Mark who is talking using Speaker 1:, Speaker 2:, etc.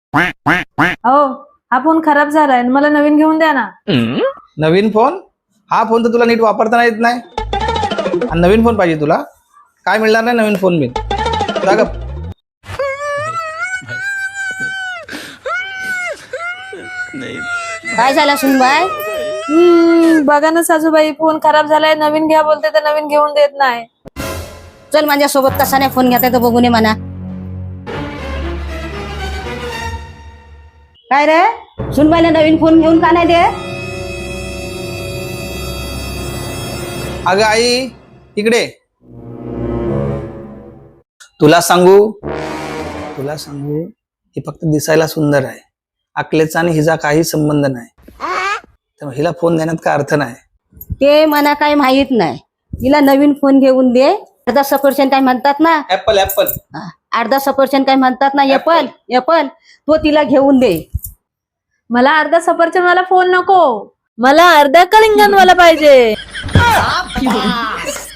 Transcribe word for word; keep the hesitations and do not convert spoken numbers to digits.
Speaker 1: हो, हा फोन खराब झालाय, मला नवीन घेऊन द्या ना.
Speaker 2: नवीन फोन? हा फोन तर तुला नीट वापरता येत नाही आणि नवीन फोन पाहिजे तुला? काय मिळणार नाही नवीन फोन बिन. जा गप.
Speaker 3: काय झालं सुनबाई?
Speaker 1: हम्म बघा ना सासूबाई, फोन खराब झालाय, नवीन घ्या बोलते तर नवीन घेऊन देत नाही.
Speaker 3: चल माझ्या सोबत कसा नाही फोन घेता येतो बघून ये म्हणा. काय रे सुनबाईला नवीन फोन घेऊन का नाही दे?
Speaker 2: अगं आई इकडे. तुला सांगू तुला सांगू ही फक्त दिसायला सुंदर आहे, अकलेचा आणि हिचा काही संबंध नाही. त्यामुळे हिला फोन देण्यात काय अर्थ नाही.
Speaker 3: ते मला काही माहित नाही. तिला नवीन फोन घेऊन दे. अर्धा सफरचंद काय म्हणतात ना,
Speaker 2: ऍपल ऍपल
Speaker 3: अर्धा सफरचंद काय म्हणतात ना, एपल एपल तो तिला घेऊन दे.
Speaker 1: मला अर्धा सफरचंद वाला फोन नको, मला अर्धा कलिंगड वाला पाहिजे.